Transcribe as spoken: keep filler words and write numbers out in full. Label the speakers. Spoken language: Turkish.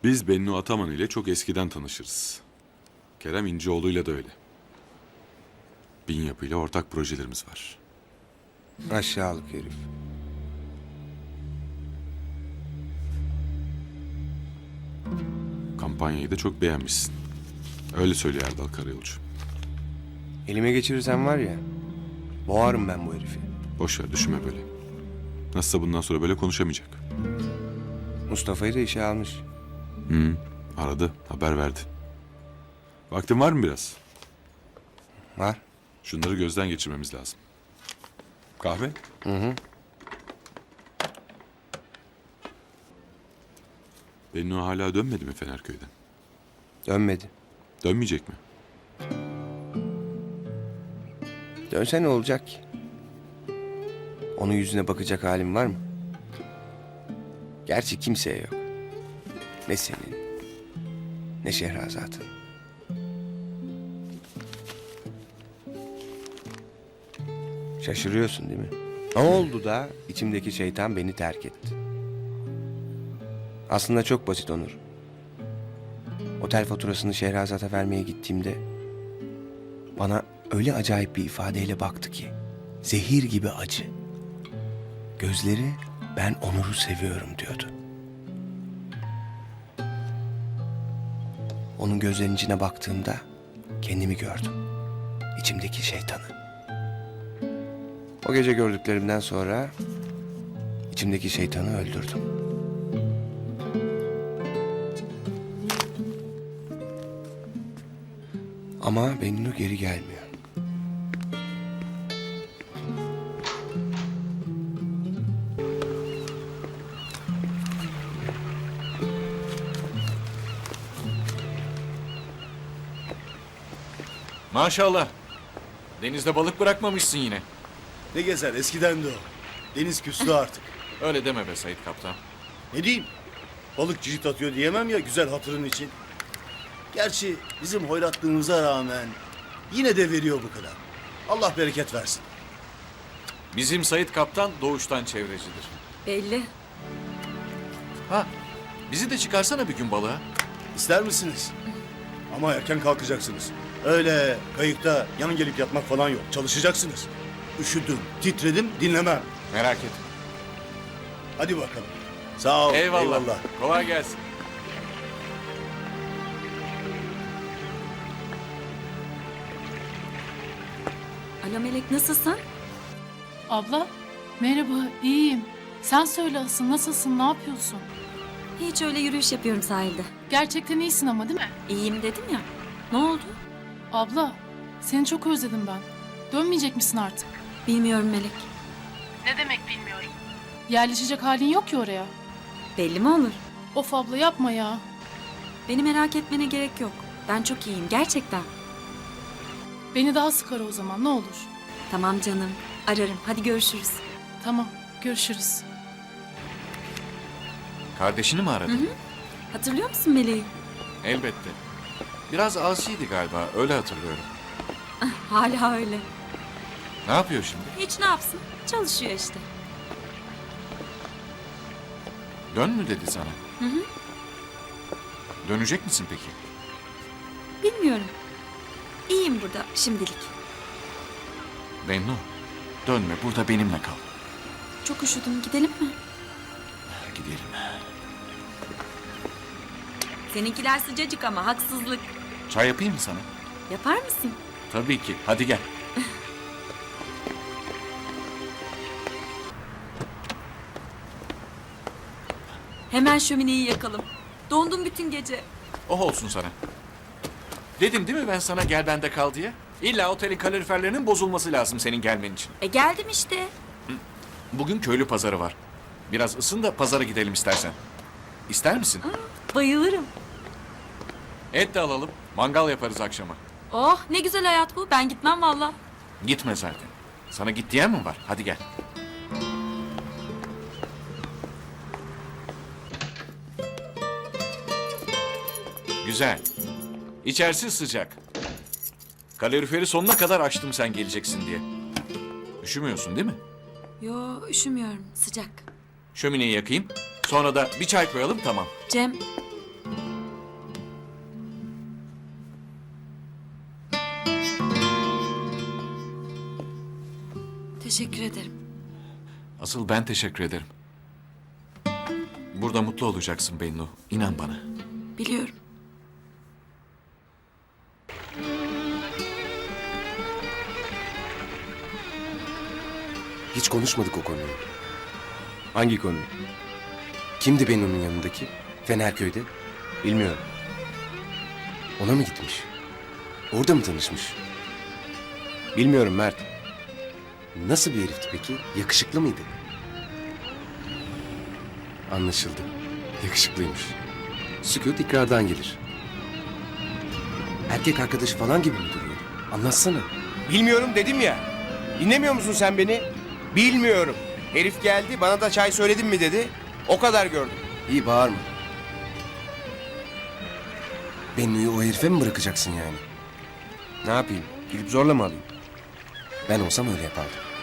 Speaker 1: Biz Bennu Ataman ile çok eskiden tanışırız. Kerem İnceoğlu'yla da öyle. Bin Yapı ile ortak projelerimiz var.
Speaker 2: Aşağılık herif.
Speaker 1: Kampanyayı da çok beğenmişsin. Öyle söylüyor Erdal Karayolcu.
Speaker 2: Elime geçirirsen var ya, boğarım ben bu herifi.
Speaker 1: Boş ver, düşünme böyle. Nasılsa bundan sonra böyle konuşamayacak.
Speaker 2: Mustafa'yı da işe almış.
Speaker 1: Hı, aradı, haber verdi. Vaktin var mı biraz?
Speaker 2: Var.
Speaker 1: Şunları gözden geçirmemiz lazım. Kahve?
Speaker 2: Hı hı.
Speaker 1: Bennu hala dönmedi mi Fenerköy'den?
Speaker 2: Dönmedi.
Speaker 1: Dönmeyecek mi?
Speaker 2: Dönse ne olacak ki? Onun yüzüne bakacak halim var mı? Gerçi kimseye yok. Ne senin, ne Şehrazat'ın. Şaşırıyorsun değil mi? Ne oldu da içimdeki şeytan beni terk etti? Aslında çok basit Onur. Otel faturasını Şehrazat'a vermeye gittiğimde bana öyle acayip bir ifadeyle baktı ki zehir gibi acı. Gözleri ben Onur'u seviyorum diyordu. Onun gözlerinin içine baktığımda kendimi gördüm. İçimdeki şeytanı. O gece gördüklerimden sonra içimdeki şeytanı öldürdüm. Ama Bennu geri gelmiyor.
Speaker 3: Maşallah. Denizde balık bırakmamışsın yine.
Speaker 4: Ne gezer eskiden de o. Deniz küstü artık.
Speaker 3: Öyle deme be Sait Kaptan.
Speaker 4: Ne diyeyim? Balık cirit atıyor diyemem ya güzel hatırın için. Gerçi bizim hoyratlığımıza rağmen yine de veriyor bu kadar. Allah bereket versin.
Speaker 3: Bizim Sait Kaptan doğuştan çevrecidir.
Speaker 5: Belli.
Speaker 3: Ha, bizi de çıkarsana bir gün balığa.
Speaker 4: İster misiniz? Ama erken kalkacaksınız. Öyle kayıkta yan gelip yatmak falan yok. Çalışacaksınız. Üşüdüm, titredim, dinlemem.
Speaker 3: Merak etme.
Speaker 4: Hadi bakalım. Sağ ol.
Speaker 3: Eyvallah.
Speaker 4: Eyvallah.
Speaker 3: Kolay gelsin.
Speaker 5: Alo Melek, nasılsın?
Speaker 6: Abla, merhaba, iyiyim. Sen söyle asıl, nasılsın, ne yapıyorsun?
Speaker 5: Hiç, öyle yürüyüş yapıyorum sahilde.
Speaker 6: Gerçekten iyisin ama değil mi?
Speaker 5: İyiyim dedim ya. Ne oldu?
Speaker 6: Abla, seni çok özledim ben. Dönmeyecek misin artık?
Speaker 5: Bilmiyorum Melek.
Speaker 6: Ne demek bilmiyorum. Yerleşecek halin yok ki oraya.
Speaker 5: Belli mi olur?
Speaker 6: Of abla yapma ya.
Speaker 5: Beni merak etmene gerek yok. Ben çok iyiyim gerçekten.
Speaker 6: Beni daha sık ara o zaman, ne olur.
Speaker 5: Tamam canım. Ararım. Hadi görüşürüz.
Speaker 6: Tamam, görüşürüz.
Speaker 3: Kardeşini mi aradın?
Speaker 5: Hı hı. Hatırlıyor musun Meleği?
Speaker 3: Elbette. Biraz asiydi galiba, öyle hatırlıyorum.
Speaker 5: Hala öyle.
Speaker 3: Ne yapıyor şimdi?
Speaker 5: Hiç, ne yapsın? Çalışıyor işte.
Speaker 3: Dön mü dedi sana?
Speaker 5: Hı hı.
Speaker 3: Dönecek misin peki?
Speaker 5: Bilmiyorum. İyiyim burada şimdilik.
Speaker 3: Bennu, dönme, burada benimle kal.
Speaker 5: Çok üşüdüm. Gidelim mi?
Speaker 3: Gidelim.
Speaker 5: Seninkiler sıcacık ama haksızlık.
Speaker 3: Çay yapayım mı sana?
Speaker 5: Yapar mısın?
Speaker 3: Tabii ki. Hadi gel.
Speaker 5: Hemen şömineyi yakalım. Dondum bütün gece.
Speaker 3: Oh olsun sana. Dedim değil mi ben sana gel bende kal diye? İlla otelin kaloriferlerinin bozulması lazım senin gelmen için.
Speaker 5: E geldim işte.
Speaker 3: Bugün köylü pazarı var. Biraz ısın da pazara gidelim istersen. İster misin?
Speaker 5: Bayılırım.
Speaker 3: Et de alalım. Mangal yaparız akşama.
Speaker 5: Oh, ne güzel hayat bu. Ben gitmem valla.
Speaker 3: Gitme zaten. Sana git diyen mi var? Hadi gel. Güzel. İçerisi sıcak. Kaloriferi sonuna kadar açtım sen geleceksin diye. Üşümüyorsun değil mi?
Speaker 5: Yo, üşümüyorum. Sıcak.
Speaker 3: Şömineyi yakayım. Sonra da bir çay koyalım tamam.
Speaker 5: Cem, Teşekkür ederim.
Speaker 3: Asıl ben teşekkür ederim. Burada mutlu olacaksın Bennu. İnan bana.
Speaker 5: Biliyorum.
Speaker 2: Hiç konuşmadık o konuyu. Hangi konuyu? Kimdi Bennu'nun yanındaki? Fenerköy'de. Bilmiyorum. Ona mı gitmiş? Orada mı tanışmış? Bilmiyorum Mert. Nasıl bir herifti peki? Yakışıklı mıydı? Anlaşıldı. Yakışıklıymış. Sükût ikrardan gelir. Erkek arkadaşı falan gibi mi duruyor? Anlatsana. Bilmiyorum dedim ya. Dinlemiyor musun sen beni? Bilmiyorum. Herif geldi bana da çay söyledin mi dedi. O kadar gördüm. İyi bağırma. Bennu'yu o herife mi bırakacaksın yani? Ne yapayım? Gidip zorla mı alayım? Ben olsam öyle yapardım.